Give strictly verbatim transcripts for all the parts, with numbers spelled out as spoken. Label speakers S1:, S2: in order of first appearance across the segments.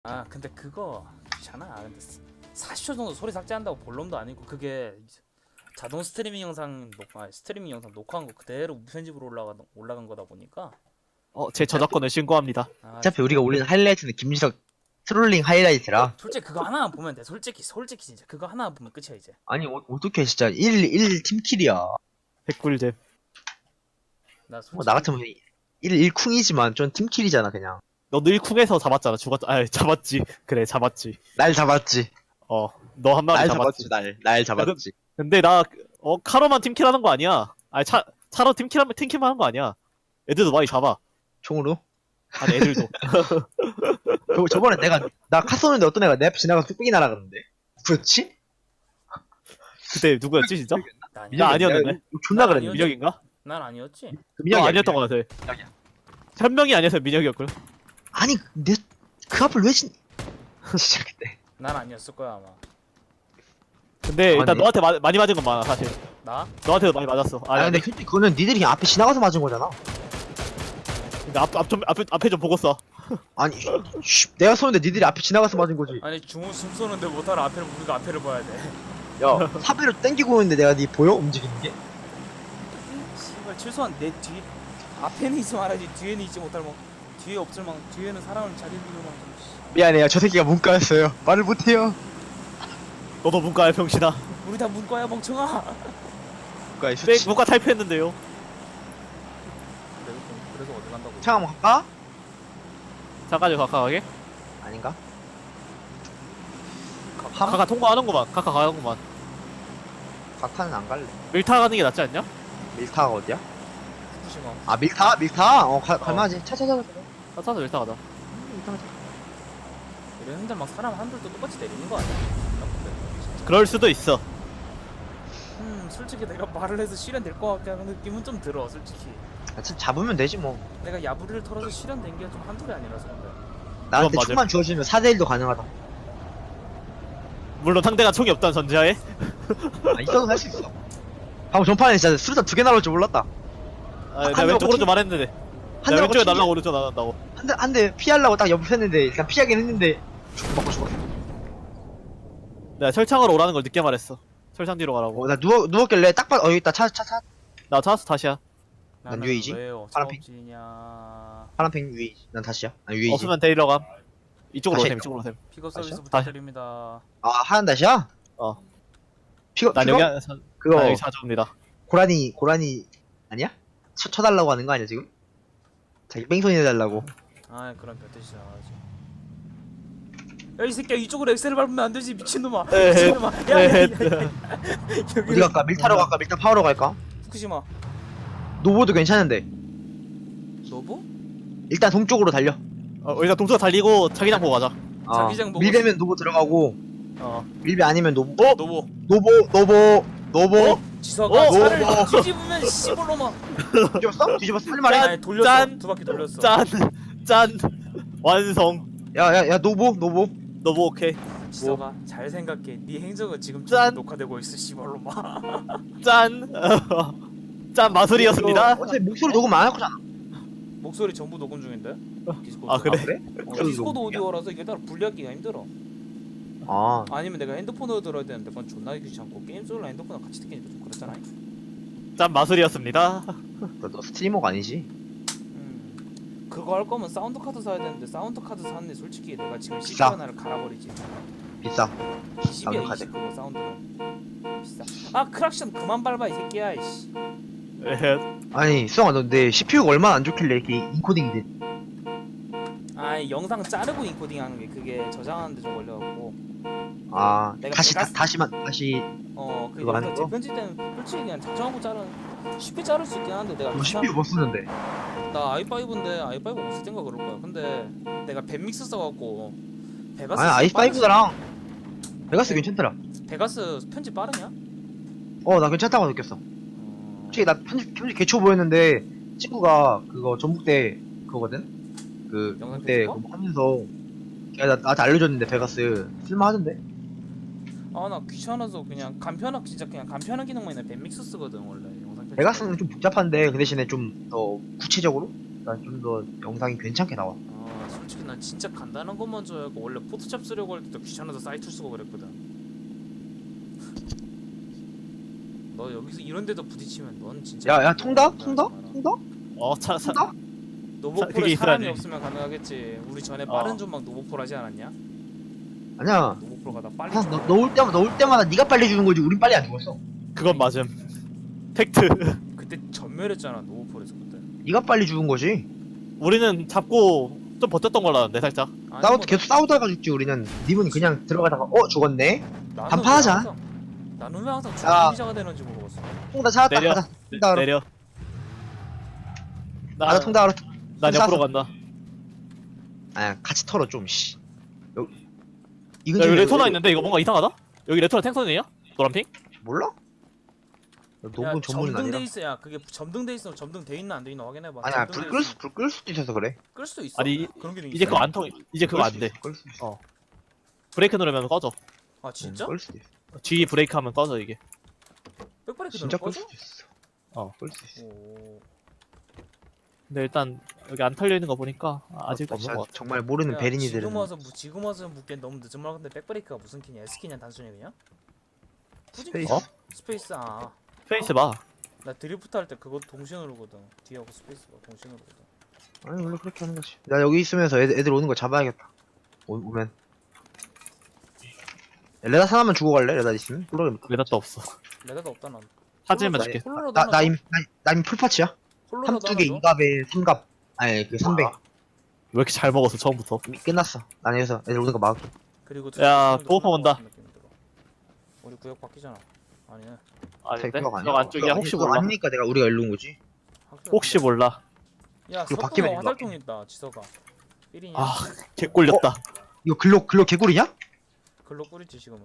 S1: 아 근데 그거 귀찮아. 근데 사십 초 정도 소리 삭제한다고 볼놈도 아니고 그게 자동 스트리밍 영상 녹화 스트리밍 영상 녹화한 거 그대로 무편집으로 올라가 올라간 거다 보니까
S2: 어, 제 저작권을 신고합니다.
S1: 아,
S3: 어차피 우리가 올리는 하이라이트는 김지석 트롤링 하이라이트라.
S1: 솔직히 그거 하나만 보면 돼. 솔직히 솔직히 진짜 그거 하나만 보면 끝이야 이제.
S3: 아니 어, 어떻게 진짜 일 일 팀킬이야.
S2: 백꿀잼.
S1: 나 솔직히
S3: 뭐, 나 같으면 일 일 쿵이지만 좀 팀킬이잖아 그냥.
S2: 너도 일쿵에서 잡았잖아. 죽었, 아, 잡았지. 그래, 잡았지.
S3: 날 잡았지.
S2: 어, 너 한 마리
S3: 날
S2: 잡았지.
S3: 잡았지. 날. 날 잡았지.
S2: 근데 나, 어, 카로만 팀킬하는 거 아니야. 아니, 차, 차로 팀킬하면, 팀킬만 하는 거 아니야. 애들도 많이 잡아.
S3: 총으로?
S2: 아니, 애들도.
S3: 저, 저번에 내가 나 카 쏘는데 어떤 애가 내 앞에 지나가서 뚝배기 날아갔는데. 그렇지?
S2: 그때 누구였지, 진짜?
S1: 나
S2: 나
S1: 아니야.
S2: 아니었는데?
S3: 내가 존나
S1: 나
S3: 그랬는데.
S1: 아니었지.
S2: 민혁인가?
S1: 난 아니었지.
S3: 그
S2: 너
S3: 민혁이
S2: 아니었던 거 같아.
S3: 민혁이야.
S2: 한 명이 아니어서 민혁이었걸.
S3: 아니 내 그 앞을 왜 진? 진짜 그때.
S1: 난 아니었을 거야 아마.
S2: 근데 일단
S3: 아니.
S2: 너한테 마, 많이 맞은 건 많아, 사실.
S1: 나?
S2: 너한테도 많이 맞았어.
S3: 아니 근데 솔직히 그거는 니들이 그냥 앞에 지나가서 맞은 거잖아.
S2: 근데 앞, 앞 좀, 앞에, 앞에 좀 보고 써.
S3: 아니 쉬, 내가 쏘는데 니들이 앞에 지나가서 맞은 거지.
S1: 아니 중우 숨 쏘는데 못하러 앞에를 우리가 앞에를 봐야 돼.
S3: 야 사배로 땡기고 있는데 내가 니 보여 움직이는 게?
S1: 씨발 최소한 내 뒤 앞에는 있지 말아야지 뒤에는 있지 못할 뭐 뒤에 없을 만 뒤에는 사람을 잘 읽을 만큼. 씨.
S3: 미안해요. 저 새끼가 문과였어요. 말을 못해요.
S2: 너도 문과야, 병신아.
S1: 우리 다 문과야 멍청아.
S3: 문과에
S2: 네,
S3: 수치.
S2: 문과 탈피했는데요.
S1: 그래서 그래서 어디 간다고?
S3: 창 한번 갈까?
S2: 잠깐요, 가까하게.
S3: 아닌가?
S2: 가까 통과하는구만. 가까 가는구만.
S3: 각하는 안 갈래.
S2: 밀타 가는 게 낫지 않냐?
S3: 밀타가 어디야?
S1: 후쿠시마.
S3: 아 밀타? 밀타? 어 가,
S2: 어.
S3: 갈만하지. 차차차.
S2: 나 타서 밀타 가자.
S1: 이런 흔들 막 사람 한둘도 똑같이 내리는 거 아니야?
S2: 그럴 수도 있어.
S1: 음 솔직히 내가 말을 해서 실현될 것 같게 하는 느낌은 좀 들어 솔직히.
S3: 아, 참 잡으면 되지 뭐.
S1: 내가 야부리를 털어서 실현된 게 좀 한둘이 아니라서 근데.
S3: 나한테
S2: 맞아.
S3: 총만 주어지면 사 대 일도 가능하다.
S2: 물론 상대가 총이 없다는 전제하에.
S3: 아, 있어도 할 수 있어. 방금 전판에 진짜 수류탄 두 개 날아올 줄 몰랐다.
S2: 아,
S3: 한
S2: 내가
S3: 대
S2: 왼쪽으로
S3: 먹고
S2: 좀 말했는데.
S3: 한
S2: 내가
S3: 대
S2: 왼쪽에 날라고 오른쪽 날아간다고.
S3: 한대 한 대 피하려고 딱 옆에 했는데 일단 피하긴 했는데 죽 맞고 죽었어.
S2: 내가 철창으로 오라는 걸 늦게 말했어. 철창 뒤로 가라고.
S3: 어, 나 누워 누웠길래 딱 봐. 어 여기 있다. 차 차 차.
S2: 나 찾았어, 다시야.
S1: 나는
S3: 유이지?
S1: 왜요?
S3: 파란핑?
S1: 작업진이냐.
S3: 파란팽 유이. 난 다시야. 아 유이지.
S2: 없으면 데리러 감. 이쪽으로
S3: 다시
S2: 오셈, 이쪽으로 오셈.
S1: 픽업 서비스
S3: 다시요?
S1: 부탁드립니다.
S3: 아 하얀 다시야?
S2: 어.
S3: 피거
S2: 난
S3: 피거?
S2: 여기, 사,
S3: 그거
S2: 난 여기 사주입니다.
S3: 고라니 고라니 아니야? 쳐 쳐달라고 하는 거 아니야 지금? 자기 뺑소니 해달라고.
S1: 아 그럼 별 뜻이야. 야이 새끼야 이쪽으로 엑셀을 밟으면 안 되지 미친놈아.
S2: 에헤,
S1: 미친놈아. 야야야.
S2: 에헤.
S3: 어디 갈까? 밀타로 갈까? 밀타 파워로 갈까?
S1: 후쿠시마.
S3: 노보도 괜찮은데
S1: 노부?
S3: 일단 동쪽으로 달려.
S2: 어, 일단 동쪽 달리고 자기장 보고 가자.
S3: 어,
S1: 자기장 보고
S3: 밀배면 노보 들어가고
S2: 어.
S3: 밀배 아니면 노보.
S2: 어?
S1: 노부.
S3: 노보 노보 노보.
S2: 어?
S1: 지서가
S2: 어?
S1: 차를
S3: 어?
S1: 뒤집으면 씨발로마.
S3: 뒤집었어? 뒤집었어? 할 말해?
S2: 짠!
S1: 아니 돌렸어.
S2: 짠!
S1: 두 바퀴 돌렸어.
S2: 짠! 짠! 완성.
S3: 야야야 노보 노보.
S2: 너 뭐 오케이.
S1: 지서가 잘 생각해. 네 행적은 지금
S2: 짠!
S1: 녹화되고 있어 씨발로마.
S2: 짠! 짠 마술이었습니다.
S3: 어차피 목소리 녹음 안 할 거잖아.
S1: 목소리 전부 녹음 중인데. 디스코드.
S2: 아, 그래?
S3: 아, 그래?
S1: 어,
S3: 목소리
S1: 디스코드
S3: 녹음이야?
S1: 오디오라서 이게 따로 분리하기가 힘들어.
S3: 아
S1: 아니면 내가 핸드폰으로 들어야 되는데 그건 존나 귀찮고 게임 소리랑 핸드폰이랑 같이 듣기니까 좀 그렇잖아.
S2: 짠 마술이었습니다.
S3: 너, 너 스트리머가 아니지?
S1: 음. 그거 할 거면 사운드 카드 사야 되는데 사운드 카드 사는데 솔직히 내가 지금 씨피
S3: 비싸.
S1: 하나를 갈아버리지.
S3: 비싸.
S1: 이십이야
S3: 사운드 카드.
S1: 이십 그거 사운드는. 비싸. 아 크락션 그만 밟아 이 새끼야 이씨.
S2: 에헤.
S3: 아니 수영아 너 내 씨피유가 얼마나 안 좋길래 이렇게 인코딩이 돼?
S1: 아 영상 자르고 인코딩하는 게 그게 저장하는데 좀 걸려갖고.
S3: 아
S1: 내가
S3: 다시 다,
S1: 베가스-
S3: 다시만 다시
S1: 어그
S3: 그거 하는
S1: 영상
S3: 거?
S1: 재편집 때는 솔직히 그냥 작정하고 자르 쉽게 자를 수 있긴 한데 내가
S3: 너
S1: 비싼-
S3: 씨피유 뭐 쓰는데?
S1: 나 아이파이브인데 아이파이브 없을 땐가 그럴 거야. 근데 내가 밴믹스 써갖고 베가스
S3: 아니
S1: 빠르지?
S3: 아이파이브랑 베가스
S1: 네.
S3: 괜찮더라.
S1: 베가스 편집 빠르냐?
S3: 어 나 괜찮다고 느꼈어.
S1: 어...
S3: 솔직히 나 편집 편집 개초 보였는데 친구가 그거 전북대 그거거든. 그
S1: 영상
S3: 전북대
S1: 편집과?
S3: 그거 하면서 걔가 나, 나한테 알려줬는데 베가스 쓸만하던데.
S1: 아나 귀찮아서 그냥 간편한 진짜 그냥 간편한 기능만 있는 밴믹스 쓰거든 원래 영상 편집.
S3: 베가스는 좀 복잡한데 그 대신에 좀 더 구체적으로, 난 좀 더 영상이 괜찮게 나와.
S1: 아 솔직히 솔직히 난 진짜 간단한 것만 줘야고 원래 포토샵 쓰려고 할 때도 귀찮아서 사이트 쓰고 그랬거든. 너 여기서 이런 데도 부딪히면 넌 진짜
S3: 야, 야, 통다?
S1: 너무
S3: 통다?
S1: 많아.
S3: 통다?
S2: 어, 차, 차,
S3: 통다?
S1: 노보폴에
S2: 그게
S1: 사람이
S2: 있어야지.
S1: 없으면 가능하겠지. 우리 전에
S2: 어.
S1: 빠른 존막 노보폴 하지 않았냐?
S3: 아니야.
S1: 노보폴 가다 빨리
S3: 아,
S1: 좀-
S3: 너, 넣을 때마다, 넣을 때마다 네가 빨리 주는 거지. 우린 빨리 안 죽었어.
S2: 그건 맞음. 팩트.
S1: 그때 전멸했잖아 노보폴에서 그때.
S3: 네가 빨리 죽은 거지.
S2: 우리는 잡고 좀 버텼던 걸로 아는데, 살짝.
S1: 아니,
S3: 싸우
S1: 뭐
S3: 계속 싸우다가 죽지 우리는. 님은 그냥 들어가다가 어 죽었네.
S1: 나는
S3: 간판하자.
S1: 왜 항상- 나는 왜 항상
S3: 야.
S1: 중앙기자가 되는지 모르겠어.
S3: 통다 찾았다.
S2: 내려.
S3: 가자. 통다 알아.
S2: 내려. 나,
S3: 가자 통다 알아.
S2: 난
S3: 쐈어.
S2: 옆으로 간다.
S3: 아 같이 털어 좀. 씨. 여, 이
S2: 야,
S3: 근처에
S2: 여기 레토나
S3: 여기-
S2: 있는데 이거 뭔가 이상하다? 여기 레토나 탱선이야? 노란핑?
S3: 몰라?
S1: 야,
S3: 노분 전문은 아니라.
S1: 점등돼 있어야 그게 점등돼 있으면 점등돼 있나 안 돼 있나 확인해봐.
S3: 아니야
S1: 점등돼
S3: 불 끌
S1: 있으면
S3: 불 끌 수도 있어서 그래.
S1: 끌 수도 있어.
S2: 아니,
S1: 그런 기능
S2: 이제
S1: 있어.
S2: 그거 안 통, 이제 그거 안 돼.
S3: 끌 수도 있어.
S2: 브레이크 누르면 꺼져.
S1: 아 진짜?
S3: 끌 수도 있어.
S2: G 브레이크 하면 꺼져, 이게.
S1: 백브레이크
S3: 진짜
S1: 넣는
S3: 끌
S1: 거죠?
S3: 수도 있어.
S2: 어.
S3: 끌 수도 있어.
S1: 오.
S2: 근데 일단 여기 안 털려 있는 거 보니까 아직
S3: 나
S2: 없는
S3: 진짜
S2: 것 같아.
S3: 정말 모르는
S1: 야,
S3: 베린이들은
S1: 지금 와서 무- 지금 와서 묻기엔 너무 늦은 말 같은데 백브레이크가 무슨 키냐? S키냐 단순히 그냥? 굳이
S3: 스페이스.
S2: 어?
S1: 스페이스 아.
S2: 페이스 봐.
S1: 나 드리프트 할 때 그거 동시에 누르거든. 뒤하고 스페이스가 동시에 누르거든.
S3: 아니 원래 그렇게 하는 거지. 나 여기 있으면서 애들, 애들 오는 거 잡아야겠다. 오, 오면. 야, 레다 하나만 주고 갈래? 레다 있으면? 홀로
S2: 레닷도 없어.
S1: 레다도 없다 난.
S2: 사진만
S3: 나-
S2: 줄게.
S1: 홀로라도
S3: 나,
S1: 하나
S3: 나
S1: 줘?
S3: 이미 나, 나 이미 풀파츠야.
S1: 홀로라도
S3: 삼두개
S1: 하나 줘?
S3: 이갑에 삼갑. 아니 그 삼백.
S2: 왜 이렇게 잘 먹었어, 처음부터?
S3: 이미 끝났어. 난 여기서 애들 오는 거 막을게.
S1: 그리고
S2: 야,
S1: 두-
S2: 보호퍼 온다.
S1: 느낌이 들어. 우리 구역 바뀌잖아. 아니네.
S2: 아닌데?
S3: 그거 아니야.
S2: 저 안쪽이야,
S3: 그거
S2: 혹시
S3: 아니- 그거
S2: 몰라.
S3: 아니니까 내가 우리가 일로 온 거지.
S1: 확실히
S2: 혹시 몰라.
S1: 야,
S3: 그거
S1: 석동에
S3: 바뀌면
S1: 화살통 있다. 지서가. 삐리냐?
S2: 아, 개꼴렸다.
S3: 이거 글로 글로 개구리냐?
S1: 글로 뿌리지 지금은.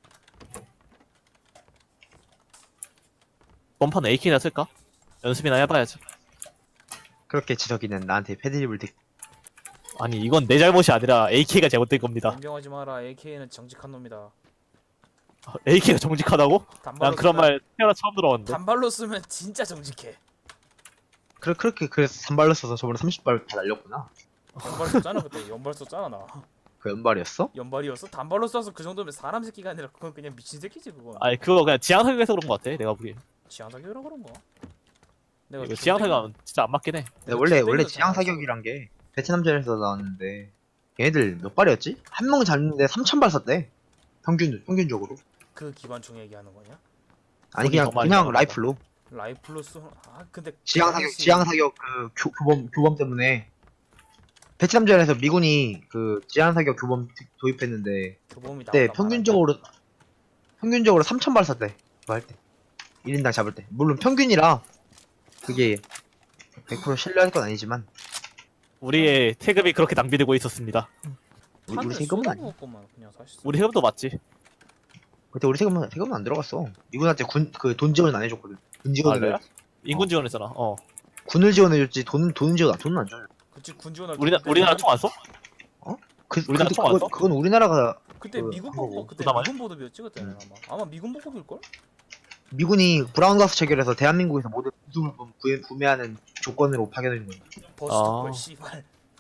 S2: 원판 에이케이나 쓸까? 연습이나 해봐야지.
S3: 그렇게 지석이는 나한테 패드립을 대.
S2: 아니, 이건 내 잘못이 아니라 에이케이가 잘못된 겁니다.
S1: 인정하지 마라. 에이케이는 정직한 놈이다.
S2: 에이케이가 정직하다고?
S1: 단발로
S2: 난 그런
S1: 쓰면-
S2: 말 태어나 처음 들어봤는데.
S1: 단발로 쓰면 진짜 정직해.
S3: 그래 그렇게 그래서 산발로 써서 저번에 삼십 발 다 날렸구나.
S1: 연발 썼잖아 그때. 연발 썼잖아 나.
S3: 그 연발이었어?
S1: 연발이었어? 단발로 써서 그 정도면 사람 새끼가 아니라 그건 그냥 미친 새끼지 그건.
S2: 아니, 그거 그냥 지향사격에서 그런 거 같아, 내가 보기엔.
S1: 지향사격이라 그런가? 내가
S2: 이거 지향사격은 진짜 안 맞긴 해.
S3: 네, 원래
S1: 땡겨서
S3: 원래
S1: 잘
S3: 지향 사격이란 게 베트남전에서 나왔는데 얘네들 몇 발이었지? 한 명 잡는데 삼천 발 썼대. 평균 평균적으로.
S1: 그 기관총 얘기하는 거냐?
S3: 아니
S2: 거기
S3: 그냥
S2: 더 많이
S3: 그냥
S2: 나가나
S3: 라이플로.
S1: 라이플로 쏘. 아 근데
S3: 지향
S1: 그
S3: 사격
S1: 당시-
S3: 지향 사격 그 교, 교범 교범 때문에 베트남전에서 미군이 그 지향 사격 교범 도- 도입했는데
S1: 교범이
S3: 그때
S1: 나왔다
S3: 평균적으로 평균적으로 삼천 발 썼대. 그거 할 때. 일 인당 잡을 때. 물론 평균이라 그게 백 퍼센트 신뢰할 건 아니지만
S2: 우리의 태급이 그렇게 낭비되고 있었습니다.
S3: 우리,
S1: 탄을
S3: 우리 세금은 아니야.
S1: 쏟아부었구만 그냥 사실.
S2: 우리 세금도 맞지?
S3: 그때 우리 세금은 세금은 안 들어갔어. 미군한테 군 그 돈 지원 안 해줬거든. 군 지원을
S2: 그래요? 인군 지원했잖아. 어.
S3: 군을 지원해줬지 돈 돈은 지원 안 돈은 안 줘요.
S1: 그치 군 지원할
S2: 우리나
S1: 때
S2: 우리나라
S1: 그때
S2: 총 안 써?
S3: 그
S2: 우리나라
S3: 근데
S2: 총 안
S3: 그건,
S2: 써?
S3: 그건 우리나라가
S1: 그때
S3: 그
S1: 미군
S3: 한국어.
S1: 보급 그때
S2: 그나마요?
S1: 미군 보급이었지 그때는
S3: 음.
S1: 아마 아마 미군 보급일 걸?
S3: 미군이 브라운 가스 체결해서 대한민국에서 모든 군수물품 구해, 구매하는 조건으로 파견해준 거야.
S1: 버스도
S2: 아.
S1: 걸 씨발.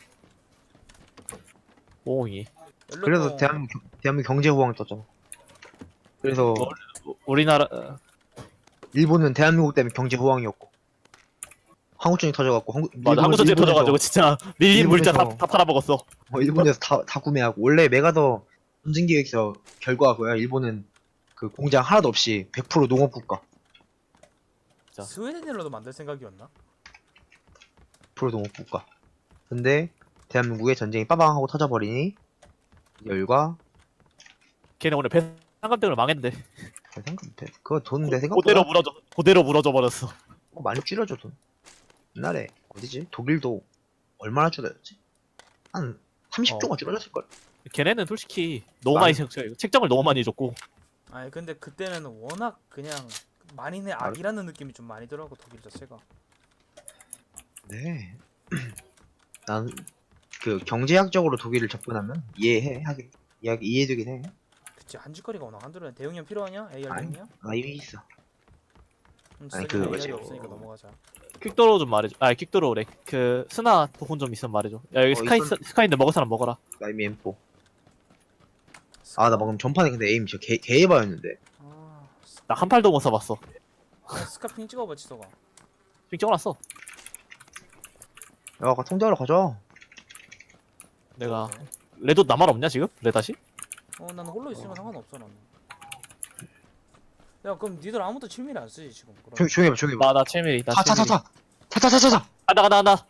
S2: 오이.
S3: 그래서
S1: 연료통
S3: 대한민국 경- 대한민국 경제 호황이 떴잖아. 그래서
S2: 뭐? 우리나라 어,
S3: 일본은 대한민국 때문에 경제 호황이었고 항우증이 터져갖고 한국
S2: 맞아, 한국 전쟁 터져가지고 진짜 밀린 물자 다,
S3: 일본에서-
S2: 다 팔아먹었어.
S3: 어, 일본에서 다, 다 구매하고 원래 메가더 전쟁 계획서 결과가 그거야. 일본은 그 공장 하나도 없이 백 퍼센트 농업 국가.
S2: 진짜.
S1: 스웨덴일로도 만들 생각이었나?
S3: 백 퍼센트 농업 국가. 근데 대한민국의 전쟁이 빠방 하고 터져버리니 열과
S2: 걔네 오늘 배상감 때문에 망했는데.
S3: 생각 그거 돈 내 생각보다
S2: 그대로 무너져, 그대로 무너져 버렸어.
S3: 어, 많이 줄여줘 돈. 옛날에 어디지? 독일도 얼마나 줄여졌지? 한 삼십 조가 줄여졌을 걸.
S2: 걔네는 솔직히 너무
S3: 많이-
S2: 많이 책- 책정을 너무 많이 해줬고.
S1: 아니 근데 그때는 워낙 그냥 만인의 악이라는 느낌이 좀 많이 들어가고 독일 자체가.
S3: 네. 난 그 경제학적으로 독일을 접근하면 이해해 하긴 이해 이해되긴 해.
S1: 그치 한짓거리가 워낙 한둘은 대용량 필요하냐? 에이알
S3: 아니.
S1: 대용량?
S3: 나 이미 있어.
S1: 음,
S3: 아니,
S1: 그
S3: 그
S1: 뭐지?
S3: 뭐지?
S1: 없으니까 넘어가자.
S2: 퀵도로 좀 말해줘. 아 퀵도로래. 그 스나 도훈 좀 있으면 말해줘. 야 여기
S3: 어,
S2: 스카이
S3: 있었-
S2: 스카이인데 먹을 사람 먹어라.
S3: 나 이미 엠포. 아, 나 방금 전판에 근데 에임 진짜 개, 개해봐였는데.
S1: 아,
S2: 나 한 팔도 못 써봤어.
S1: 아, 스카핑 찍어봐 지서가.
S2: 핑 찍어놨어.
S3: 야, 아까 통제하러 가자.
S2: 내가
S1: 네.
S2: 레도 나만 없냐 지금? 레 다시?
S1: 어, 나는 홀로 있으면 상관없어 나는. 야, 그럼 니들 아무도 칠밀 안 쓰지 지금? 그럼.
S3: 조용히, 조용히 해봐, 조용히 해봐.
S2: 나나 칠밀이. 나
S3: 차, 차, 차,
S2: 칠밀이.
S3: 차. 차, 차, 차, 차, 차.
S2: 간다 간다 간다.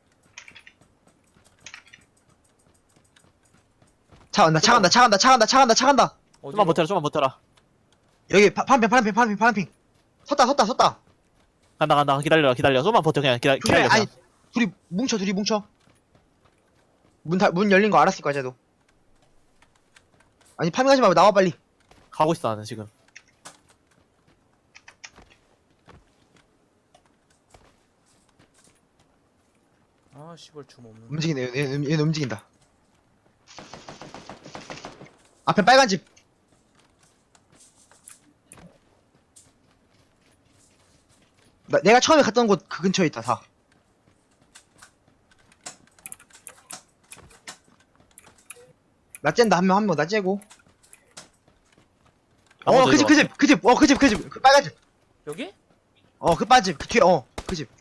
S3: 차 간다, 차 간다, 차 간다, 차 간다, 차 간다, 차 간다.
S1: 어디로?
S2: 좀만 버텨라 좀만 버텨라.
S3: 여기 파, 파란핑, 파란핑, 파란핑, 파란핑. 섰다, 섰다, 섰다.
S2: 간다 간다 기다려 기다려. 좀만 버텨 그냥 기다
S3: 그래,
S2: 기다려.
S3: 아니,
S2: 그냥.
S3: 둘이 뭉쳐, 둘이 뭉쳐. 문 다, 문 열린 거 알았을 거야, 쟤도. 아니, 파밍하지 말고 나와, 빨리.
S2: 가고 있어 나는 지금.
S1: 아, 씨발 줌 없는.
S3: 움직이네, 얘, 얘, 얘는 움직인다. 앞에 빨간 집. 나, 내가 처음에 갔던 곳 그 근처에 있다, 다. 나 쨘다, 한 명, 한 명, 나 째고. 어,
S2: 나머지
S3: 그 집, 그 집, 그 집, 어, 그 집, 그 집, 그 빨간 집.
S1: 여기?
S3: 어, 그 빨간 집, 그 뒤에, 어, 그 집.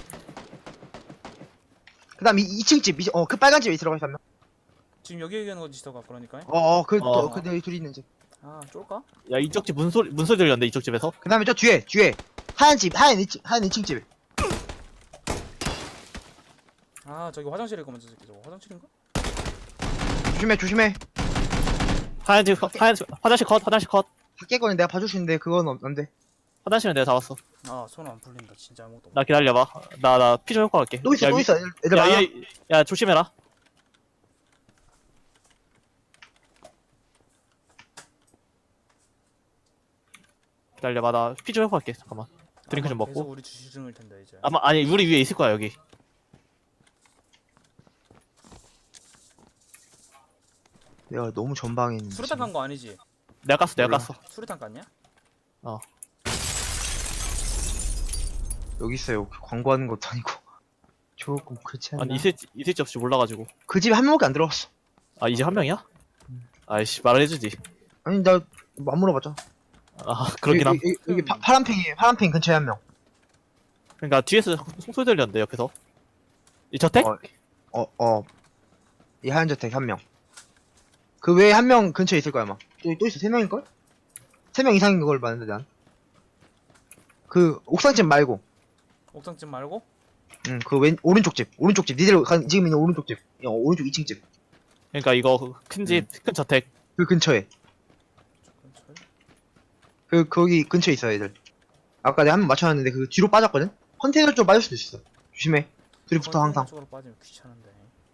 S3: 그 다음, 이, 이 층 집, 이, 어, 그 빨간 집에 들어가 있어, 한 명.
S1: 지금 여기 얘기하는 거지 지서가 그러니까.
S3: 어, 어, 그,
S2: 어.
S3: 또, 그, 네, 둘이 있는 집.
S1: 아, 쫄까?
S2: 야 이쪽 집 문소리 문소리 들렸는데 이쪽 집에서.
S3: 그 다음에 저 뒤에, 뒤에. 하얀 집, 하얀 이 층, 하얀 이 층 집.
S1: 아, 저기 화장실일 거면 저 새끼 저거 화장실인가?
S3: 조심해, 조심해.
S2: 하얀 집 컷, 하얀 집 화장실 컷 화장실 컷.
S3: 밖에 거는 내가 봐줄 수 있는데, 그건 없- 안 돼.
S2: 화장실은 내가 잡았어.
S1: 아, 손 안 풀린다. 진짜 아무것도 없네.
S2: 나 기다려봐. 나 나 피 좀 효과 갈게.
S3: 또 있어,
S2: 야,
S3: 또
S2: 위-
S3: 있어. 애들, 애들
S2: 야,
S3: 많아.
S2: 얘, 야 조심해라. 기다려봐 나 피 좀 효과 갈게. 잠깐만. 드링크 좀
S1: 아마
S2: 먹고.
S1: 계속 우리 주시중일 텐데 이제.
S2: 아마 아니 우리 위에 있을 거야 여기.
S3: 내가 너무 전방에 있는데.
S1: 수류탄 간 거 아니지?
S2: 내가 깠어 내가
S3: 몰라.
S2: 깠어.
S1: 수류탄 깠냐?
S3: 여기 있어요. 광고하는 것도 아니고. 조금 그렇지 않나?
S2: 아니 있을 있을지 없을지 몰라가지고.
S3: 그 집에 한 명밖에 안 들어갔어.
S2: 아 이제 한 명이야? 아이씨 말을 해주지.
S3: 아니, 나, 안 물어봤잖아.
S2: 아 그러긴 함.
S3: 여기, 여기, 여기 파, 파란핑이, 파란핑 근처에 한 명.
S2: 그러니까 뒤에서 송소리 들렸는데 옆에서. 이 저택?
S3: 어, 어, 어. 이 하얀 저택 한 명. 그 외에 한 명 근처에 있을 거야, 아마. 또, 또 있어. 세 명일걸? 세 명 이상인 걸 봤는데, 난. 그, 옥상집 말고.
S1: 옥상집 말고?
S3: 응, 그 왼, 오른쪽 집. 오른쪽 집. 니들 가, 지금 있는 오른쪽 집. 어, 오른쪽 이 층 집.
S2: 그러니까 이거 큰 집 큰 저택.
S3: 그 근처에.
S1: 저 근처에?
S3: 그, 거기 근처에 있어, 애들. 아까 내가 한 명 맞춰놨는데, 그 뒤로 빠졌거든? 컨테이너 쪽 빠질 수도 있어. 조심해. 둘이 붙어, 항상.
S1: 쪽으로 빠지면 귀찮은데.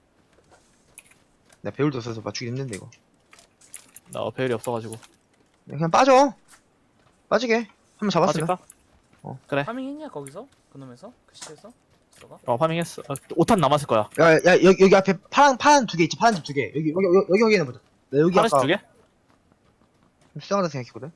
S3: 나 배울도 없어서 맞추기 힘든데, 이거.
S2: 나 배열이 없어가지고.
S3: 그냥 빠져. 빠지게. 한 번 잡았으면.
S2: 빠질까?
S3: 어.
S2: 그래.
S1: 파밍했냐 거기서? 그놈에서? 그 시에서? 너가?
S2: 어 파밍했어. 어, 오탄 남았을 거야.
S3: 야, 야, 여기, 여기 앞에 파란, 파란 두 개 있지, 파란 집 두 개. 여기, 여기, 여기, 여기 확인해 보자. 나 여기
S2: 하나씩
S3: 아까
S2: 두 개?
S3: 좀 수상하다 생각했거든?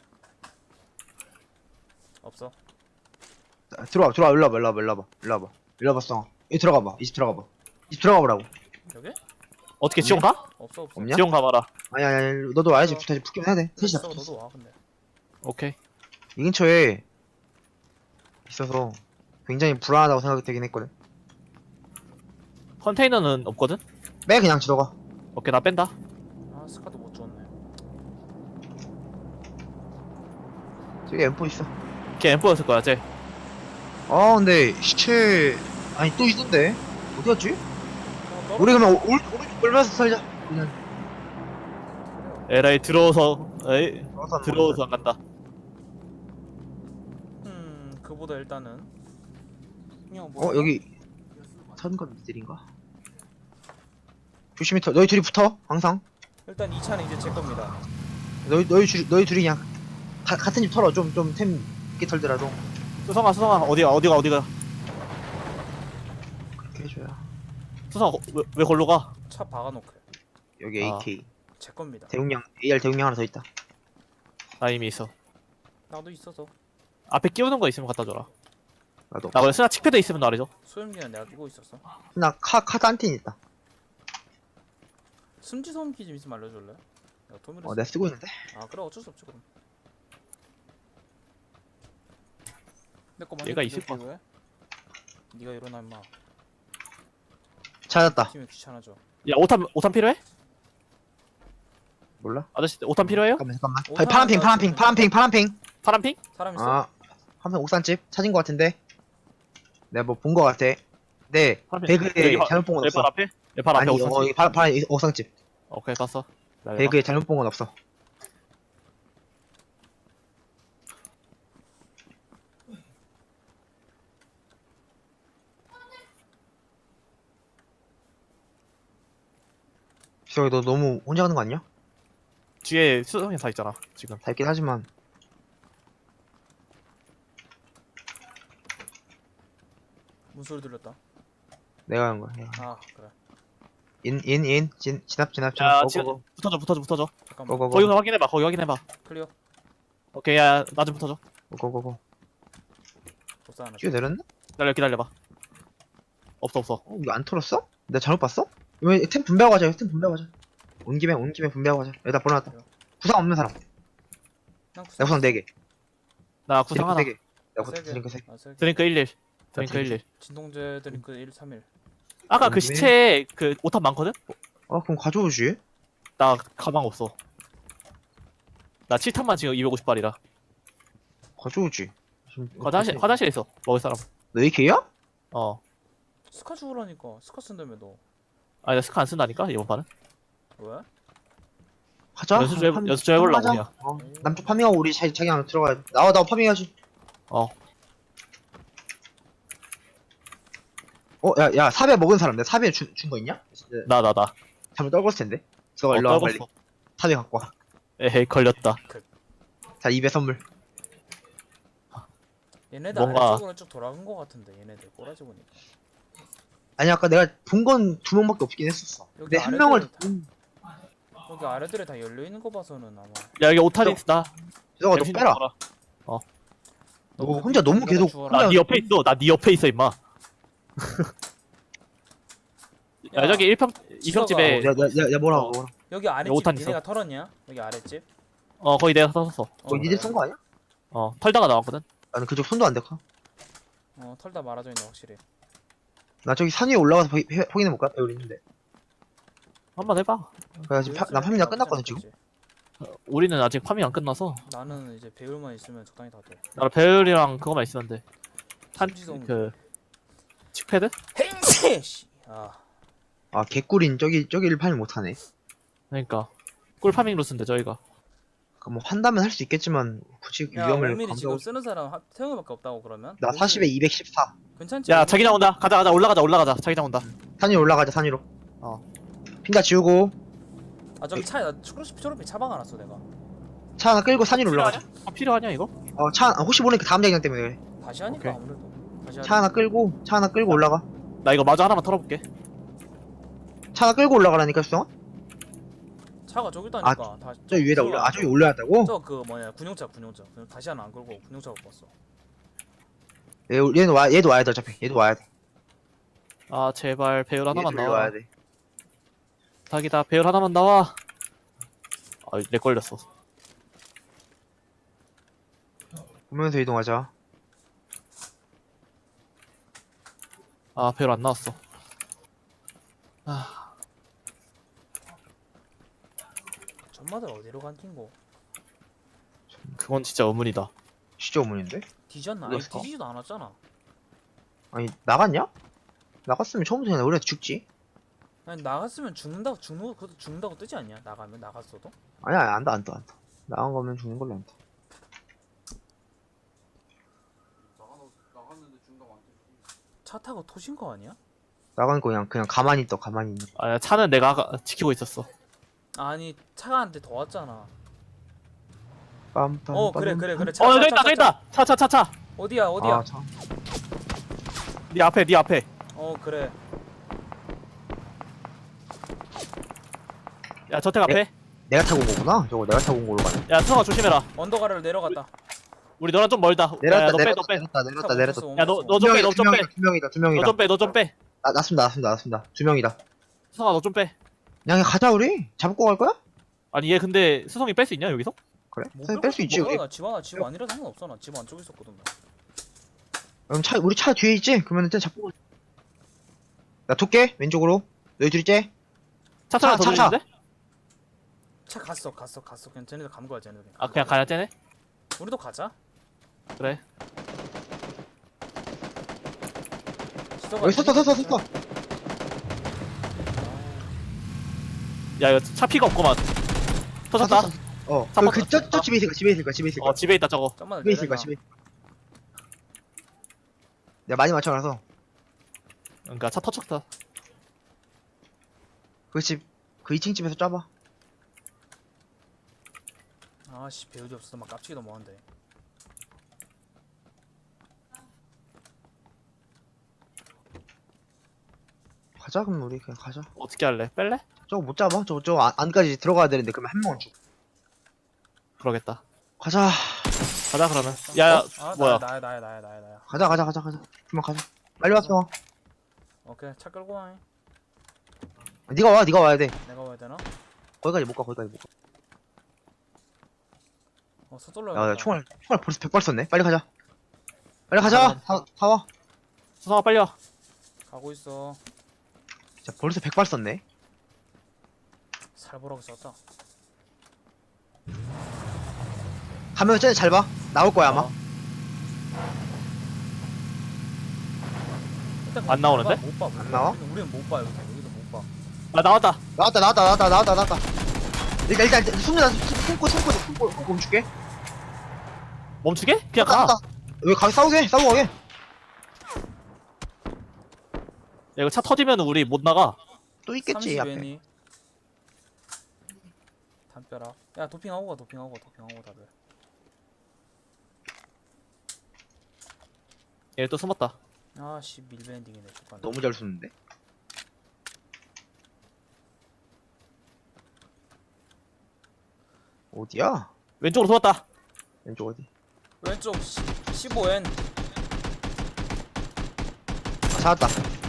S1: 없어.
S3: 자, 들어와, 들어와, 일로 와봐, 일로 와봐, 일로 와봐, 일로 와봐. 일로 와봐, 수상아. 여기 들어가봐, 이 집 들어가봐. 이 집 들어가 보라고.
S1: 여기?
S2: 어떻게 지원 가?
S1: 없어 없어.
S3: 없냐?
S2: 지원 가봐라.
S3: 아니, 아니, 아니, 너도 와야지. 다시 붙기만 해야 돼. 셋이 다
S1: 있어,
S3: 붙었어.
S1: 너도 와 근데.
S2: 오케이.
S3: 이 근처에 있어서 굉장히 불안하다고 생각되긴 했거든.
S2: 컨테이너는 없거든?
S3: 빼, 그냥 들어가.
S2: 오케이 나 뺀다.
S1: 아, 스카도 못 줬네.
S3: 저기 엠포 있어.
S2: 걔 엠포였을 거야 쟤.
S3: 아, 근데 시체 아니 또 있던데 어디 갔지?
S1: 어, 떨어-
S3: 우리 그러면 오- 올 오른쪽 돌면서 살자. 그냥
S2: 에라이 들어오서 에이
S3: 들어가서 하는
S2: 들어오서 안 간다.
S1: 음, 그보다 일단은. 그냥
S3: 거야. 어, 여기 선건 니들인가? 조심히 터, 너희 둘이 붙어 항상.
S1: 일단 이 차는 이제 제 겁니다.
S3: 너희 너희 둘이 너희 둘이 그냥 가, 같은 집 털어. 좀 좀 템 있게 털더라도
S2: 수성아 수성아 어디가 어디가 어디가.
S3: 그렇게 해줘야.
S2: 수성아 거- 왜, 왜 걸로 가?
S1: 차 박아놓게.
S3: 여기
S2: 아.
S3: 에이케이
S1: 제 겁니다.
S3: 대용량 에이알 대용량 하나 더 있다.
S2: 나 이미 있어.
S1: 나도 있어서.
S2: 앞에 끼우는 거 있으면 갖다 줘라.
S3: 나도.
S2: 나 원래 스나 칙패드 있으면 말이죠.
S1: 소염기는 내가 끼고 있었어.
S3: 나 카, 카드 한 틴 있다.
S1: 숨지 소음기 좀 있으면 알려줄래? 내가 도미를
S3: 어, 내가 쓰고 있는데?
S1: 아 그래 어쩔 수 없지 그럼. 내거 많이
S2: 얘가
S1: 끼고
S2: 있을 것
S1: 왜? 네가 일어나 임마.
S3: 찾았다.
S1: 팀이 귀찮아져.
S2: 야 오탄 오탄 필요해?
S3: 몰라?
S2: 아저씨 오탄 필요해요?
S3: 잠깐만, 잠깐만.
S1: 오탄
S3: 파란 핑, 파란 핑,
S1: 하나
S3: 파란 핑, 파란 핑.
S2: 파란 핑?
S1: 사람 있어?
S3: 아, 한편 옥산집 찾은 거 같은데? 내가 뭐 본 거 같아. 네,
S2: 파란 핑.
S3: 배그에
S2: 여기 바-
S3: 잘못 본 건
S2: 내 발
S3: 없어.
S2: 앞에? 내 발 앞에
S3: 아니,
S2: 오탄
S3: 어, 이 파란, 파란 옥상집.
S2: 오케이 봤어. 나
S3: 배그에 잘못 본 건 없어. 저기 너 너무 혼자 가는 거 아니야?
S2: 뒤에 수성이 다 있잖아 지금.
S3: 다 있긴 하지만
S1: 무슨 소리 들렸다?
S3: 내가 하는 거야.
S1: 아 그래.
S3: 인, 인, 인, 진, 진압, 진압,
S2: 야
S3: 진압.
S2: 지금
S3: 고고고.
S2: 붙어줘 붙어줘 붙어줘.
S1: 잠깐만.
S3: 고고고.
S2: 거기 확인해봐 거기 확인해봐.
S1: 클리어.
S2: 오케이 야나 좀 붙어줘.
S3: 고고고.
S1: 복사 하나.
S3: 뛰어 내렸나?
S2: 기다려 기다려봐. 없어 없어.
S3: 어, 이거 안 털었어? 내가 잘못 봤어? 왜 템 분배하고 가자. 템 분배하고 가자. 온 김에 온 김에 분배하고 가자. 여기다 보내놨다. 구상 없는 사람.
S1: 난
S3: 내 구상 네 개.
S2: 나 구상
S3: 드링크
S2: 하나.
S3: 세 개. 내가
S1: 세
S3: 구-
S1: 개.
S3: 드링크 세 개.
S1: 아, 세 개.
S2: 드링크 일일. 드링크
S3: 드링크.
S2: 일일.
S1: 진동제 드링크 일 삼 일.
S2: 아까 그
S3: 음,
S2: 시체에 그 오탄 많거든?
S3: 어, 그럼 가져오지.
S2: 나 가방 없어. 나 칠 탄만 지금 이백오십 발이라.
S3: 가져오지. 지금
S2: 화장실 화장실에 있어. 먹을 사람.
S3: 너 에이케이야?
S2: 어.
S1: 스카 주우라니까. 스카 쓴다며 너.
S2: 아니 나 스카 안 쓴다니까 이번 판은.
S1: 왜?
S3: 하자.
S2: 연습 좀 해보-
S3: 한-
S2: 연습 좀 해보려고
S3: 하자.
S2: 그냥.
S3: 어, 남쪽 파밍하고 우리 자기 자기 안에 들어가야 돼. 나와 나와 파밍해야지.
S2: 어.
S3: 어, 야, 야, 사배 먹은 사람. 내가 사배 준 거 있냐? 네,
S2: 나 나 나.
S3: 잘못 떨궜을 텐데. 너가
S2: 어,
S3: 일로 와 빨리.
S2: 떨궜어.
S3: 사배 갖고 와.
S2: 에헤이 걸렸다.
S3: 자, 입에 선물.
S1: 얘네들
S2: 뭔가-
S1: 아래쪽으로 쭉 돌아간 거 같은데 얘네들 꼬라지 보니까.
S3: 아니 아까 내가 본 건 두 명밖에 없긴 했었어.
S1: 여기
S3: 근데 한
S1: 아래들
S3: 명을
S1: 다- 여기 아래들에 다 열려 있는 거 봐서는 아마.
S2: 야 여기 오탄 있다.
S3: 너가 너
S2: 엠신
S3: 빼라.
S2: 줘라.
S3: 너 혼자 너무
S1: 누가
S3: 계속
S1: 주워라.
S2: 나
S3: 혼자-
S2: 네 옆에 있어. 나 네 옆에 있어 임마. 야, 저기 일 평 이 평 집에
S3: 야, 야, 야, 야, 뭐라고,
S2: 어.
S3: 뭐라.
S1: 여기 아랫집
S2: 오탄 있어.
S1: 니네가 털었냐? 여기 아랫집?
S2: 어 거기 내가 샀었어.
S3: 어, 니들 쓴 거 아니야?
S2: 어 털다가 나왔거든.
S3: 나는 그쪽 손도 안 대고.
S1: 어 털다 말아져 있네 확실히.
S3: 나 저기 산 위에 올라가서 보- 해- 확인해 볼까? 배울 있는데.
S2: 한번 해봐.
S3: 그래 지금 파, 난 파밍 다 끝났거든 지금.
S2: 어, 우리는 아직 파밍 안 끝나서.
S1: 나는 이제 배울만 있으면 적당히 다 돼.
S2: 나 배율이랑 그거만 있으면 돼. 탄
S1: 심지성.
S2: 그 칙패드?
S1: 행세! 씨. 아
S3: 아 개꿀인 저기 저기를 파밍 못하네.
S2: 그러니까 꿀 파밍 루스인데 저희가.
S3: 그러니까 뭐 한다면 할 수 있겠지만 굳이
S1: 야
S3: 위험을
S1: 오밀이 지금
S3: 감수하고.
S1: 쓰는 사람 하- 태영이밖에 없다고 그러면?
S3: 나 사십에 이백십사.
S1: 괜찮지?
S2: 야 자기장 온다. 가자 가자 올라가자 올라가자. 자기장 온다.
S3: 산 위로 올라가자 산 위로.
S2: 어.
S3: 핀다 지우고
S1: 아 저기 차에 나 초록빛 초록빛 차 박아놨어 내가.
S3: 차 하나 끌고 산 위로 올라가자.
S2: 아, 필요하냐 이거?
S3: 어 차 혹시 모르니까 다음 자기장 때문에 그래.
S1: 다시 하니까
S2: 오케이.
S1: 아무래도 다시
S3: 차 하나 끌고 차 하나 끌고 올라가.
S2: 나 이거 마저 하나만 털어볼게.
S3: 차 하나 끌고 올라가라니까 수성아.
S1: 차가 저기 있다니까. 다,
S3: 저 위에다 올라. 아 저기 올려야 한다고?
S1: 저그 뭐냐 군용차 군용차. 그냥 다시 하나 안 끌고 군용차 갖고 왔어.
S3: 얘, 얘는 와 얘도 와야 돼 어차피. 얘도 와야 돼.
S2: 아 제발 배율 하나만
S3: 얘도
S2: 나와.
S3: 와야 돼.
S2: 닭이다 배율 하나만 나와. 아렉 걸렸어.
S3: 보면서 이동하자.
S2: 아 배율 안 나왔어. 아
S1: 전마들 어디로 간 낀고?
S2: 그건 진짜 의문이다.
S3: 진짜 어머니인데?
S1: 뒤졌나? 아니
S3: 그랬어?
S1: 뒤지지도 않았잖아.
S3: 아니 나갔냐? 나갔으면 처음부터 그냥 우리가 죽지.
S1: 아니 나갔으면 죽는다고 죽는 거 그것도 죽는다고 뜨지 않냐? 나가면 나갔어도?
S3: 아니야 아니, 안다 안다 안다. 나간 거면 죽는 걸로 안다.
S1: 차 타고 토신 거 아니야?
S3: 나간 거 그냥 그냥 가만히 있다 가만히 있는.
S2: 아 차는 내가 아까 지키고 있었어.
S1: 아니 차가 한테 더 왔잖아.
S3: 빰빰.
S1: 어 그래 그래 그래. 차,
S2: 어
S1: 차,
S2: 여기
S1: 차,
S2: 있다
S1: 차,
S2: 저기 있다. 차 차 차차.
S1: 어디야 어디야?
S3: 아, 참.
S2: 네 앞에 네 앞에.
S1: 어 그래.
S2: 야 저택 앞에.
S3: 내가 타고 온 거구나. 저거 내가 타고 온 걸로 가네.
S2: 야 수성아 조심해라.
S1: 언덕 아래로 내려갔다.
S2: 우리 너랑 좀 멀다.
S3: 내렸다
S2: 야너 빼,
S3: 내렸다
S2: 너 빼.
S3: 내렸다 내렸다 내렸다.
S2: 야, 너- 너
S3: 두
S2: 좀 빼,
S3: 명이다
S2: 너
S3: 두
S2: 좀 빼.
S3: 명이다 두 명이다 두
S2: 너
S3: 명이다.
S2: 좀 빼, 너 좀 빼.
S3: 나 났습니다 났습니다 났습니다. 두 명이다.
S2: 수성아 너 좀 빼.
S3: 그냥 가자 우리. 잡고 갈 거야?
S2: 아니 얘 근데 수성이 뺄 수 있냐 여기서?
S3: 그래?
S1: 못
S3: 뺄 수 있지 우리.
S1: 집 하나 집 아니라 상관없어. 나 집 안쪽에 있었거든. 나.
S3: 그럼 차 우리 차 뒤에 있지? 그러면 일단 잡고 가자. 나 돌게 왼쪽으로. 너희 둘이 째.
S2: 차 타나 더
S3: 차, 차,
S2: 돌리는데?
S1: 차 갔어 갔어 갔어. 그냥 쟤네들 간 거야 쟤네들.
S2: 아 그냥 가야 쟤네?
S1: 우리도 가자.
S2: 그래.
S1: 지도가
S3: 여기 섰어 섰어 섰어.
S2: 야 이거 차 피가 없구만. 터졌다.
S3: 어.
S2: 삼번
S3: 그저저
S2: 떴다.
S3: 집에 있을 거야 집에 있을 거야 집에 있을 거야.
S2: 어 집에 있다 저거.
S1: 잠깐만
S3: 집에 있을 거야 집에. 내가 많이 맞춰놔서
S2: 그러니까 차 터쳤다.
S3: 그 집 그 이 층 집에서 짜봐.
S1: 아씨 배우지 없어서 막 깝치기도 뭐한데.
S3: 가자 그럼 우리 그냥 가자.
S2: 어떻게 할래? 뺄래?
S3: 저거 못 잡아. 저거 저거 안, 안까지 들어가야 되는데 그러면 한 명은 죽.
S2: 그러겠다.
S3: 가자.
S2: 가자 그러면. 야야
S1: 아
S2: 뭐야?
S1: 나야 나야 나야 나야 나야.
S3: 가자 가자 가자 가자. 그만 가자. 빨리 왔어.
S1: 오케이 차 끌고 와.
S3: 네가 와 네가 와야 돼.
S1: 내가 와야 되나?
S3: 거기까지 못 가 거기까지 못 가.
S1: 어 서둘러.
S3: 야, 야 총알 총알 벌써 백 발 썼네. 빨리 가자. 빨리 가자. 다, 다 와.
S2: 수성아 빨리 와.
S1: 가고 있어.
S3: 자 벌써 백 발 썼네.
S1: 살보라고 썼다.
S3: 가면 쟤네 잘 봐. 나올 거야 아마.
S2: 어.
S1: 일단
S2: 안 나오는데?
S1: 못 봐. 못 봐.
S3: 안 나와?
S1: 우리는, 우리는 못 봐 여기서 여기서 못 봐.
S2: 아 나왔다.
S3: 나왔다 나왔다 나왔다 나왔다 나왔다. 일단 일단 숨는다 숨고 숨고 숨고 숨고 멈출게.
S2: 멈추게? 그냥
S3: 나,
S2: 가.
S3: 나. 여기 가게 싸우게 싸우고 가게.
S2: 야 이거 차 터지면 우리 못 나가.
S3: 또 있겠지
S1: 삼십
S3: 앞에.
S1: 엔이. 담벼락. 야 도핑하고 가 도핑하고 가 도핑하고 다들.
S2: 얘 또 숨었다.
S1: 아씨 밀밴딩이네. 잠깐.
S3: 너무 잘 쏘는데. 어디야?
S2: 왼쪽으로 숨었다.
S3: 왼쪽 어디?
S1: 왼쪽 십오 엔.
S3: 아, 찾았다.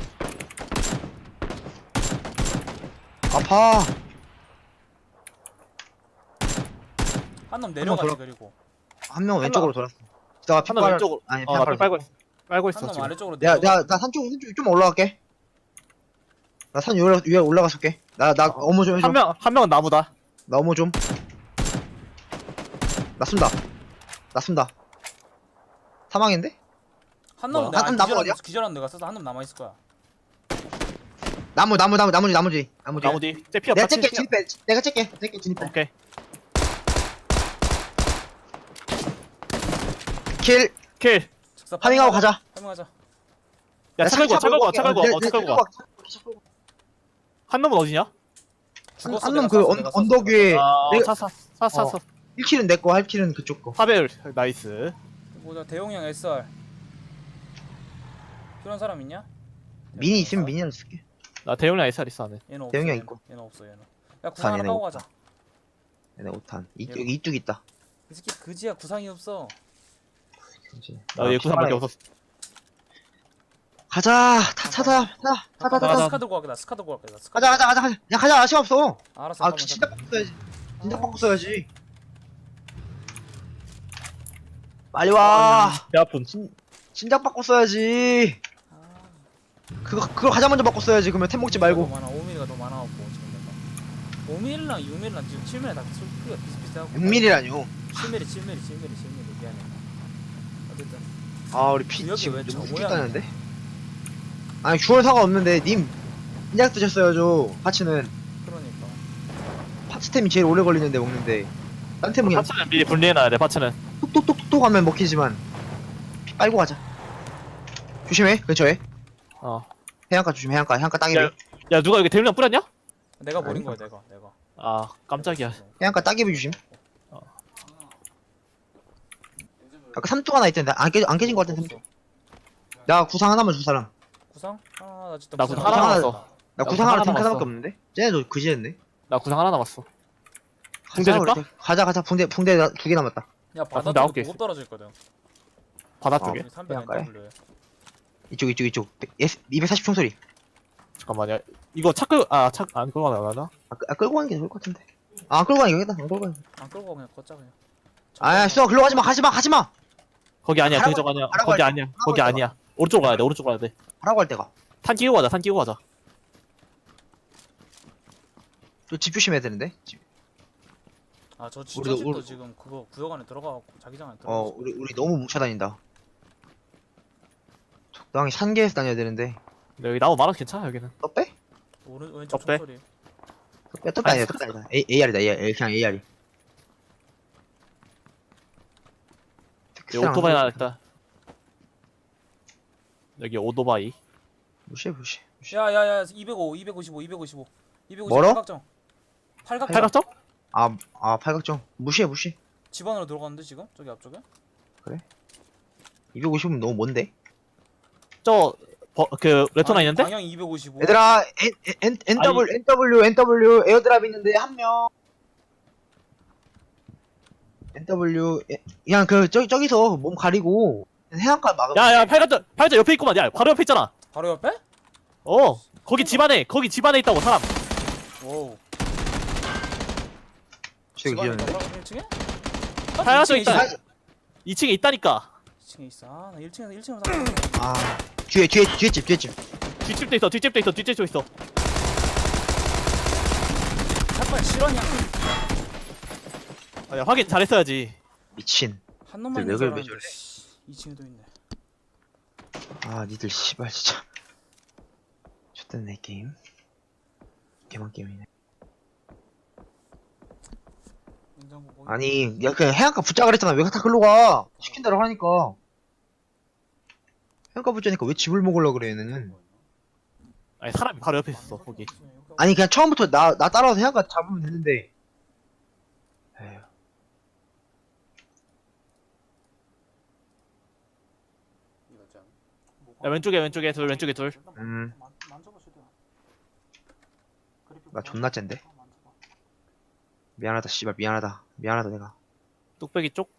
S3: 아파.
S1: 한 놈 내려가지
S3: 돌아-
S1: 그리고.
S3: 한 명은 왼쪽으로 돌았어. 기다가
S2: 한 명
S3: 핏발.
S2: 왼쪽으로.
S3: 아니
S2: 어, 나
S3: 핏발
S2: 빨고 있어. 빨고 있어
S1: 한 놈
S2: 지금.
S1: 아래쪽으로
S3: 내가
S1: 내려가.
S3: 내가 나산 쪽, 산 쪽 좀 올라갈게. 나 산 위에, 올라- 위에 올라가서 올게. 나, 나, 어머 좀 해줘.
S2: 한 명, 한 명은 나무다.
S3: 나 어머 좀. 나 쏜다. 나 쏜다. 사망인데?
S1: 한 놈은
S2: 뭐야?
S1: 내가
S3: 한- 한 나무
S1: 기절한
S3: 어디야?
S1: 기절한 내가 써서 한 놈 남아 있을 거야.
S3: 나무, 나무, 나무, 나무지, 나무지. 나무지.
S2: 나무 뒤. 쟤 피
S3: 내가
S2: 없다.
S3: 쬐게,
S2: 쟤 피
S3: 진입해. 내가 쬐게. 쬐게, 진입해.
S2: 오케이.
S3: 킬.
S2: 킬.
S1: 즉사
S3: 파밍하고 가자.
S1: 파밍하자.
S2: 야, 차 끌고 와, 차 끌고 와, 차 끌고 와.
S3: 내-
S2: 어,
S3: 내-
S2: 차 끌고 와.
S3: 차 끌고 와.
S2: 한 놈은 어디냐?
S1: 죽었어,
S3: 한
S1: 내가
S3: 놈 그
S1: 쐈어,
S3: 언-
S1: 내가 쐈어,
S3: 언덕 위에.
S2: 아,
S3: 내가-
S2: 차, 차, 차, 차,
S3: 어.
S2: 차.
S3: 일 킬은 내 거, 할 킬은 그쪽 거.
S2: 사배율. 나이스.
S1: 보자 대용량 에스알. 필요한 사람 있냐?
S3: 미니 있으면 미니를 쓸게.
S2: 나 대용량 에스알 있어, 안에.
S1: 얘는 없어.
S3: 대용량
S1: 얘는.
S3: 있고.
S1: 얘는 없어 얘는. 야 구상 하나
S3: 얘네
S1: 까고
S3: 없다.
S1: 가자.
S3: 얘네 오 탄. 이,
S1: 얘로.
S3: 여기 이뚝 있다.
S1: 이 새끼 그지야 구상이 없어.
S3: 그치.
S2: 나 얘 구상밖에
S3: 피바에-
S2: 없었어.
S3: 가자. 타, 타자. 타, 타다,
S1: 나
S3: 타다.
S1: 스카 들고 갈게. 나 스카 들고 갈게. 나 스카.
S3: 가자, 가자, 가자, 가자. 야, 가자. 시간 없어.
S1: 알았어.
S3: 아,
S1: 잠깐만,
S3: 진작
S1: 잠깐만.
S3: 바꿔 써야지. 진작 바꿔 써야지. 빨리 와.
S2: 배 아픈.
S3: 진작 바꿔 써야지.
S1: 아,
S3: 그거, 그거 가장 먼저 바꿔 써야지. 그러면 템 먹지 말고.
S1: 많아. 오 밀리가 더 많아갖고 지금 내가. 오 밀리랑 육 밀리랑 지금 칠 밀리 다 크기가 비슷비슷하고.
S3: 육 밀리라뇨.
S1: 칠 밀리, 칠 밀리, 칠 밀리, 칠 밀리 미안해. 어쨌든
S3: 아, 우리 피
S1: 여기
S3: 지금
S1: 왜 저
S3: 너무
S1: 모양이야?
S3: 죽겠다는데? 아니, 주얼 사가 없는데, 님. 인작 드셨어야죠. 파츠는.
S1: 그러니까.
S3: 파츠템이 제일 오래 걸리는데 먹는데. 딴 템은 그냥
S2: 파츠는 미리 분리해놔야 돼, 파츠는.
S3: 톡톡톡톡 하면 먹히지만. 피 빨고 가자. 조심해, 근처에.
S2: 어.
S3: 해안가 조심해, 해안가. 해안가 따기비.
S2: 야, 야, 누가 여기 대용량 뿌렸냐?
S1: 내가 버린
S3: 아니,
S1: 거야 내가 내가.
S2: 아, 깜짝이야.
S3: 해안가 따기비 조심.
S2: 어.
S3: 아까 삼뚝 하나 있던데. 안, 깨, 안 깨진 거 같은데, 삼뚝. 야, 구상 하나만 줄 사람.
S1: 구상? 아, 나 진짜
S2: 나
S1: 구상
S2: 구상 하나
S3: 하나
S2: 남았어.
S3: 나
S2: 나
S3: 구상 하나
S2: 하나
S3: 탱크
S2: 남았어.
S3: 하나밖에 없는데? 쟤네도 그지였네.
S2: 나 구상 하나 남았어.
S3: 가자,
S2: 붕대 줄까?
S3: 우리. 가자, 가자. 붕대, 붕대 두 개 남았다.
S1: 야 바다
S2: 근데 아홉 개
S1: 쪽에 보급 떨어져 있거든.
S2: 바다
S3: 어.
S2: 쪽에.
S1: 삼백
S3: 해안가에?
S1: 엔더블유.
S3: 이쪽 이쪽 이쪽 이백사십 총소리.
S2: 잠깐만요. 이거 차 끌, 아, 차, 안 끌고 가나, 나?
S3: 아, 끄- 아 끌고 가는 게 좋을 것 같은데. 아 안 끌고 가는 게 여기다. 안 끌고 가는 게.
S1: 안 끌고 그냥 걷자 그냥.
S3: 아 수아 글로 가지마 가지마 가지마.
S2: 거기 아니야,
S3: 가라고
S2: 그쪽 아니야.
S3: 가라고
S2: 거기
S3: 할
S2: 아니야.
S3: 때,
S2: 거기
S3: 가라고
S2: 아니야. 오른쪽 가야 돼, 오른쪽 가야 돼.
S3: 하라고 할 때가.
S2: 탄 끼고 가자, 탄 끼고 가자.
S3: 집 조심해야 되는데. 집.
S1: 아저
S3: 우리도-
S1: 진짜 집도
S3: 우리-
S1: 지금 그거 구역 안에 들어가고 자기장 안에 들어가.
S3: 어 우리 우리 너무 뭉쳐 다닌다. 적당히 산계에서 다녀야 되는데.
S2: 근데 여기 나무 많아서 괜찮아, 여기는.
S3: 또 빼?
S1: 오른 왼쪽
S2: 어때?
S1: 총소리.
S3: 또 빼? 또 빼? 아니야 또 빼? 아니다. A AR이다 AR 그냥 AR이.
S2: 여기 오토바이 하나 있다. 여기 오토바이.
S3: 무시해 무시해. 무시해.
S1: 야야야 이백오, 이백오십오, 이백오십오, 이백오십오
S3: 멀어?
S1: 팔각정. 팔각정.
S2: 팔각정?
S3: 아, 아 팔각정 무시해 무시.
S1: 집 안으로 들어갔는데 지금 저기 앞쪽에?
S3: 이백오십은 너무 먼데.
S2: 저, 버, 그, 레토나
S1: 아니,
S2: 있는데?
S1: 방향 이백오십오.
S3: 얘들아 N, N, NW NW NW 에어드랍 있는데 한 명. 엔더블유 에, 그냥 그 저기 저기서 몸 가리고 해안가 막으면.
S2: 야, 야, 팔각정, 팔각정 옆에 있구만. 야, 바로 옆에 있잖아.
S1: 바로 옆에?
S2: 어, 거기 집 안에, 거기 집 안에 있다고, 사람.
S1: 와우.
S3: 저기
S1: 집 안에
S3: 기었는데.
S1: 있다고? 일 층에?
S2: 팔각정
S1: 이 층에
S2: 있다.
S1: 있어.
S2: 이 층에 있다니까.
S1: 이 층에 있어. 아, 나 일 층에서 일 층으로 사.
S3: 아 뒤에 뒤에 뒤에 집 뒤에 집.
S2: 뒷집도 있어, 뒷집도 있어, 뒷집도 있어.
S1: 샷발 실화냐?
S2: 아, 야, 확인 잘했어야지.
S3: 미친.
S1: 한 놈만
S3: 왜
S1: 있는 줄
S3: 그래, 왜
S1: 알았는데 이 층에도 있네.
S3: 아 니들 씨발 진짜. 좋댔네 게임. 개만 게임이네.
S1: 냉장고 거기.
S3: 아니 야 그냥 해안가 붙자 그랬잖아. 왜 다 글로 가? 시킨 대로 하니까. 해안가 붙자니까 왜 집을 먹으려 그래 얘는.
S2: 아니, 사람이 바로 옆에 있었어, 거기.
S3: 아니 그냥 처음부터 나 나 따라와서 해안가 잡으면 되는데. 에휴.
S2: 야, 왼쪽에, 왼쪽에 둘, 왼쪽에 둘.
S3: 음.
S1: 만져봐 최대한.
S3: 나 존나 짠데. 미안하다 씨발 미안하다 미안하다 내가.
S2: 뚝배기 쪽.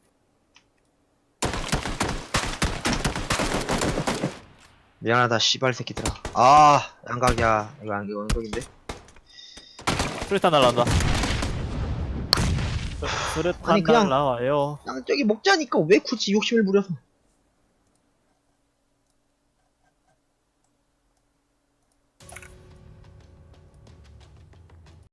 S3: 미안하다 씨발 새끼들아. 아 양각이야. 이거 안 이거 언덕인데.
S2: 수류탄 날라온다. 수류탄
S3: 아니, 그냥-
S2: 날라와요.
S3: 양 저기 먹자니까 왜 굳이 욕심을 부려서.